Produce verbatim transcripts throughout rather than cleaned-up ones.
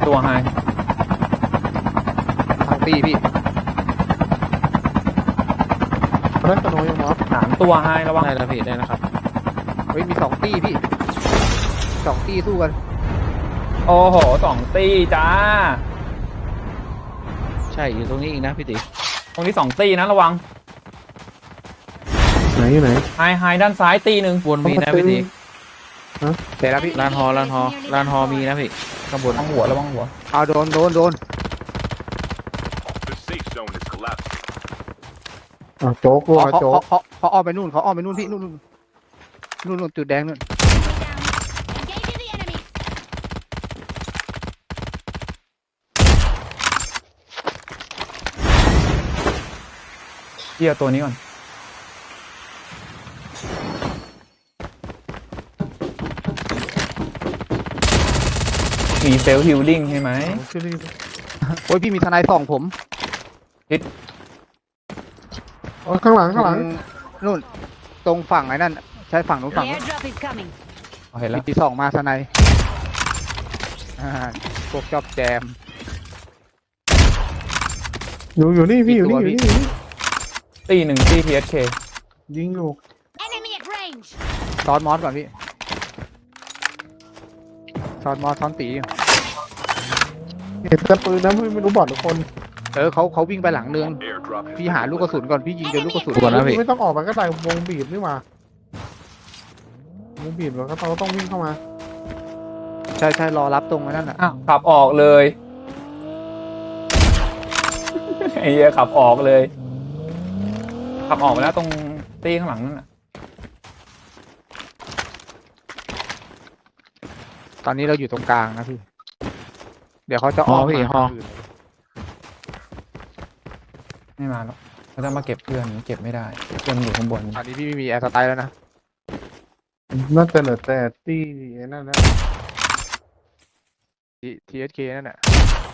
ตัวไฮทางตีพี่เล่นตโนยังมอสสามตัวไฮระวังได้แล้วพี่ได้แล้วครับเฮ้ยมีสองตีพี่สองตีสู้กันโอ้โหสองตีจ้าใช่อยู่ตรงนี้อีกนะพี่ติ๋ตรงนี้สองตีนะระวังไหนอยู่ไหนไฮไฮด้านซ้ายตีหนึ่งวนมีนะพี่ติ๋เสร็จแล้วพี่ลานฮอลานฮอลานฮอมีนะพี่ข้างบนระวังหัวระวังหัวเอาโดนโดนโดนอ่ะโจ๊กรัวเขาโจ๊กเขาเขาอ้อมไปนู่นเขาอ้อมไปนู่นพี่นู่นนู่นนู่นนู่นจุดแดงนู่นเกี่ยวตัวนี้ก่อนมีเซลล์ฮิลลิ่งใช่ไหมโอ้ยพี่มีทนายส่องผมอ๋อข้างหลังข้างหลังนู่นตรงฝั่งไอ้นั่นใช่ฝั่งนู้นฝั่งนู้นเห็นแล้วมีส่องมาทนายพวกชอบแจมอยู่อยู่นี่พี่อยู่นี่อยู่นี่ตีหนึ่งตีพีเอสเคยิงอยู่ซ้อนมอสก่อนพี่ซ้อนมอสซ้อนตีเห็นแต่ปืนนะพี่ไม่รู้บอดทุกคนเออเขาเขาวิ่งไปหลังเนืองพี่หาลูกกระสุนก่อนพี่ยิงเจอลูกกระสุนก่อนนะพี่ไม่ต้องออกไปก็ได้วงบีบนี่มาวงบีบแล้วก็เราต้องวิ่งเข้ามาใช่ใช่รอรับตรงนั้นน่ะอ้าวขับออกเลยไอ้เหี้ยขับออกเลยขับออกไปแล้วตรงตีข้างหลังนั่นน่ะตอนนี้เราอยู่ตรงกลางนะพี่เดี๋ยวเขาจะออกพี่ฮอไม่มาหรอกเขาจะมาเก็บเพื่อนเก็บไม่ได้เพื่อนอยู่ข้างบนอันนี้พี่ไม่มีแอร์สไตล์แล้วนะน่าจะเหลือแต่ตี้นั่นนะทีทีเอสเคนั่นแหละ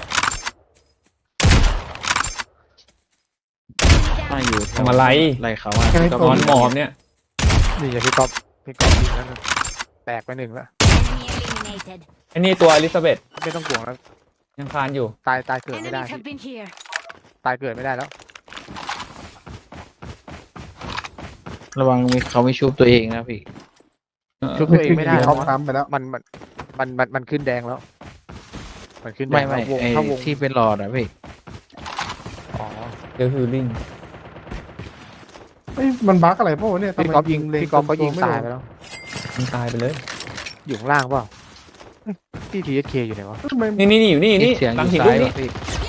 มาอยู่ทำอะไรไรเขาอ่ะก็นอนหมอบเนี่ยนี่จะพี่ก๊อฟพี่ก๊อฟยิงแล้วแตกไปหนึ่งแล้วไอ้นี่ตัวอลิซาเบธไม่ต้องห่วงแล้วยังคานอยู่ตายตายเกิดไม่ได้ตายเกิดไม่ได้แล้วระวังมีเขาไม่ชุบตัวเองนะพี่ชุบตัวเองไม่ได้เขาทำไปแล้วมันมันมันมันมันขึ้นแดงแล้วมันขึ้นแดงไม่ไม่ไอ้ที่เป็นหลอดอะพี่อ๋อเดลฮิลลิ่งเฮ้ยมันบั๊กอะไรพวกเนี่ยพี่ก๊อฟยิงพี่ก๊อฟก็ยิงตายไปแล้วมันตายไปเลยอยู่ข้างล่างเปล่าที่ทีเอสเคอยู่ไหนวะนี่นี่นี่อยู่นี่นี่หลังหินลูกนี่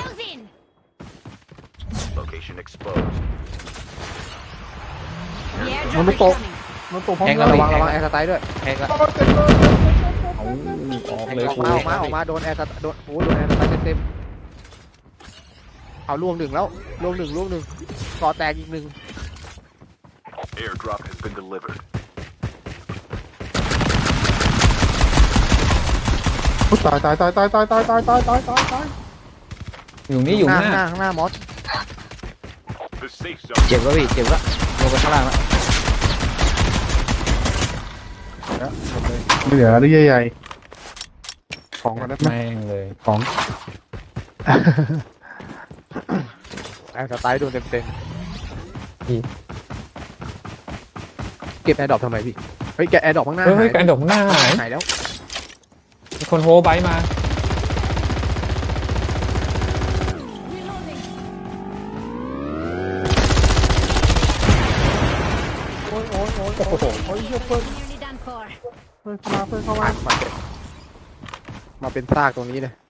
มันไม่ตกมันตกพร้อมกันระวังระวังแอร์สไตล์ด้วยแอกออกเลยออกมาออกมาออกมาโดนแอร์สโดนโอ้โดนแอร์สไตล์เต็มเอาล่วงหนึ่งแล้วล่วงหนึ่งล่วงหนึ่งก่อแตกอีกหนึ่งตายตายตายตายตายตายตายตายตายตายตายอยู่นี่อยู่หน้าข้างหน้าข้างหน้ามอสเจ็บแล้วพี่เจ็บแล้วลงไปข้างล่างแล้วไม่เหลือหรือใหญ่ๆของกันได้ไหมแม่งเลยของแอร์สไตล์โดนเต็มเต็มเก็บแอร์ดรอปทำไมพี่เฮ้ยแกแอร์ดรอปข้างหน้าเฮ้ยแอร์ดรอปข้างหน้าหายหายแล้วมีคนโฮไบมาโอ้ยโอ้ยโอ้ยโอ้โหโอ้ยเยอะเพิ่มเพิ่มเข้ามาเพิ่มเข้ามามาเป็นซากตรงนี้เลย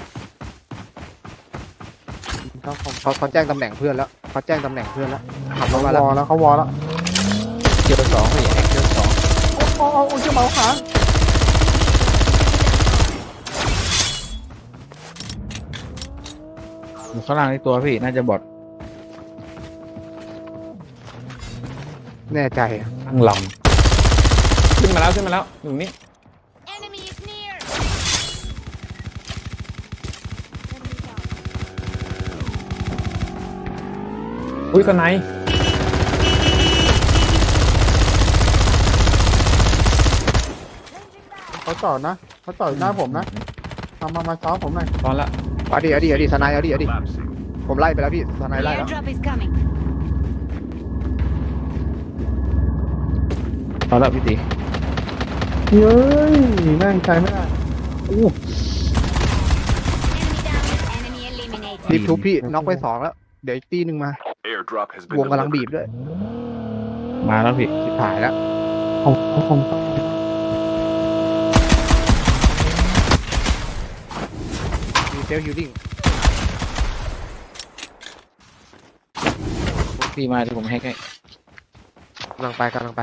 เขาเขาเขาแจ้งตำแหน่งเพื่อนแล้วเขาแจ้งตำแหน่งเพื่อนแล้วขับรถมาแล้วแล้วเขาวอแล้วเจอสองพี่แอกเจอสองโอ้โหโอ้ยจะเมาขาอยู่ข้างล่างในตัวพี่น่าจะบอดแน่ใจตั้งลำขึ้นมาแล้วขึ้นมาแล้วอยู่นี่อุ้ยสไนเขาจอดนะเขาจอดหน้าผมนะมามามาซ้อมผมหน่อยตอนละเอาดิเอาดิเอาดิสไนด์เอาดิเอาดิ Collapsing. ผมไล่ไปแล้วพี่สไน The ด์ไล่แล้ว airdrop is coming. เอาละพี่ตีเย้ยแม่งใจไม่ได้อู้ Enemy down. Enemy eliminated. รีบทุบพี่น็อกไปสองแล้ว เดี๋ยวอีกตีหนึ่งมา Airdrop has been วงกำลังบีบ delivered. ด้วยมาแล้วพี่ชิบหายแล้วผมผมมีเซลฮิลลิ่งพี่มาที่ผมแฮกให้กำลังไปกำลังไป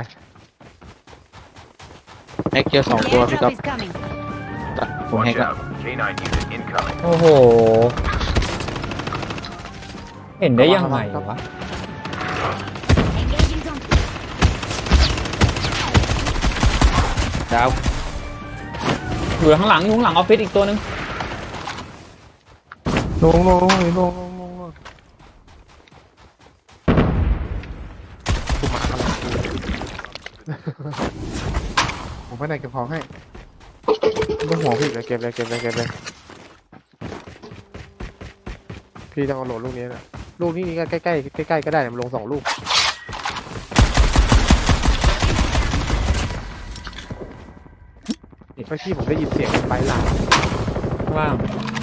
แฮกเจอสอง The ตัวพี่ก๊อ airdrop ฟ is coming. ผมแฮ Watch กแล้ว out. K nine unit incoming. โอ้โห เห็นได้ยังไงวะ Engaging zone. ดาวอยู่ข้างหลังอยู่ข้างหลังออฟฟิศอีกตัวหนึงลงลงลงลงลงลงลงกูมากำลังผมไปไหนเก็บของให้ไม่ต้องห่วงพี่เลยเก็บเลยเก็บเลยเก็บเลยพี่ต้องเอาโหลดลูกนี้นะลูกนี้นี่ก็ใกล้ใกล้ใกล้ใกล้ๆก็ได้เนี่ยมันลงสองลูกเมื่อกี้ผมได้ยินเสียงไปหลังข้างล่าง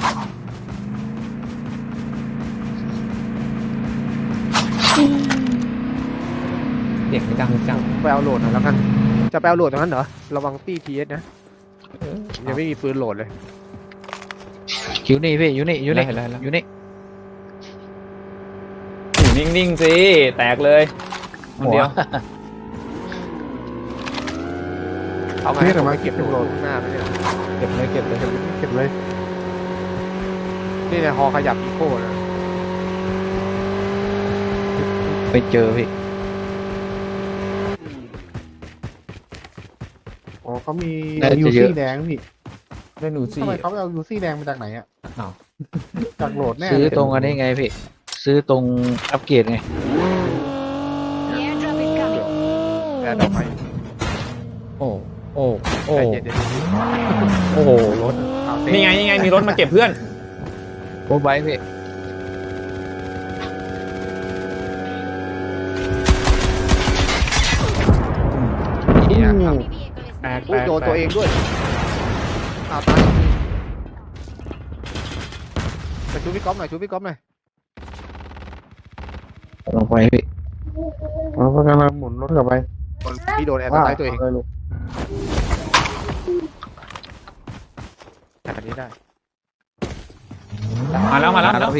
เด็กไม่ดังจังไปเอาโหลดหน่อยแล้วกันจะไปเอาโหลดตรงนั้นเหรอระวังตี้ทีเอสนะยังไม่มีปืนโหลดเลยอยู่นี่พี่อยู่นี่อยู่นี่ไล่ไล่ไล่อยู่นี่อยู่นิ่งๆสิแตกเลยคนเดียวเอาไงพี่เดี๋ยวมาเก็บโหลดข้างหน้าไปเนี่ยเก็บเลยเก็บเลยเก็บเลยนี่ในฮอขยับอีโก้นะไปเจอพี่อ๋อเขามีน่าจะยูเยซี่อะแดงพี่ได้หนูซี่ทำไมเขาไปเอายูซี่แดงมาจากไหนอ่ะอ้าวจากโหลดแน่ซื้อเลยตรงอันนี้ไงพี่ ซื้อตรงอัปเกรดไง The airdrop is coming. แอร์ดอกไม้โอ้โอ้โอ้ใจเย็นๆโอ้โหรถเอาเต้นี่ไงนี่ไงมีรถมาเก็บเพื่อนโอ้ไบค์พี่เนี่ยครับ Enemy vehicle is แตกอุ๊แตยกโดนตัวเองด้วยอ้าวตายไปชูพี่ก๊อฟหน่อยชูพี่ก๊อฟหน่อยลงไปพี่อ๋อเขากำลังหมุนรถกลับไปพี่โดนแอร์สไตล์ตัวเองาลยลูกแบบนี้ได้มาแล้วมาแล้วมาแล้วพี่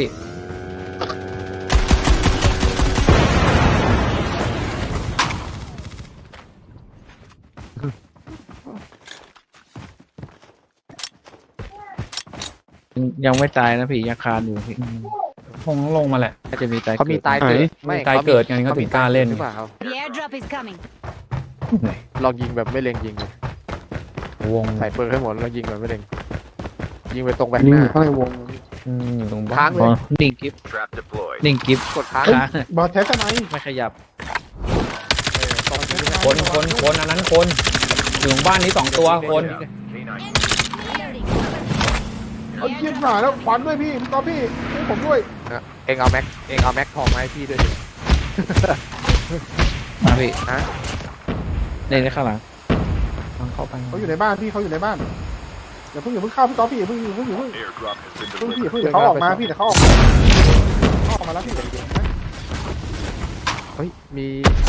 ยังไม่ตายนะพี่ยังคานอยู่พี่คงลงมาแหละน่าจะมีตายเขามีกิดตายเกิดมีตายเกิดไงเขาถึงกล้าเล่นหรือเปล่าครับ The airdrop is coming. ลองยิงแบบไม่เล็งยิงเลยวงใส่ปืนให้หมดแล้วยิงแบบไม่เล็งยิงไปตรงแบอักนหนี้น้าอยู่ข้างในวงอืมอยู่ตรงบ้าค้างนเลอ๋อย นิ่งกิฟ Trap deployed. นิ่งกิฟกดค้างค้างบอลแท้ทำไมไม่ขยับเออตรงนี้คนคนคนอันนั้นคนอยู่ตรงบ้านนี้สองตัวคน K nine. Reloading. เอาเยี่ยมหน่อยแล้วควันด้วยพี่พี่ก๊อฟพี่ให้ผมด้วยเองเอาแม็กเองเอาแม็กทองมาให้พี่ด้วยดิมาพี่ฮะเล่นได้ข้างหลังทางเข้าไปเขาอยู่ในบ้านพี่เขาอยู่ในบ้านอย่าเพิ่งอย่าเพิ่งเข้าพี่ก๊อฟพี่อย่าเพิ่งอย่าเพิ่งอย่าเพิ่ง Airdrop has been เพิ่งพี่อย่า delivered. เพิ่งเดี๋ยวเขาออกมาพี่เดี๋ยวเขาออกมาเขาออกมาแล้วพี่เดี๋ยวเดี๋ยวนะเฮ้ยมี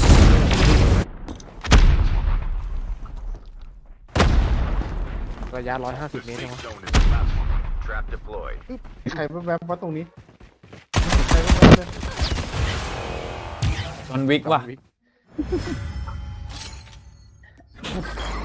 ระยะร้อยห้าสิบ The เมตร safe นะ zone is collapsing. Trap deployed. ใครแวบๆว่าตรงนี้ใครแวบๆเลยจอห์นวิกว่ะวิก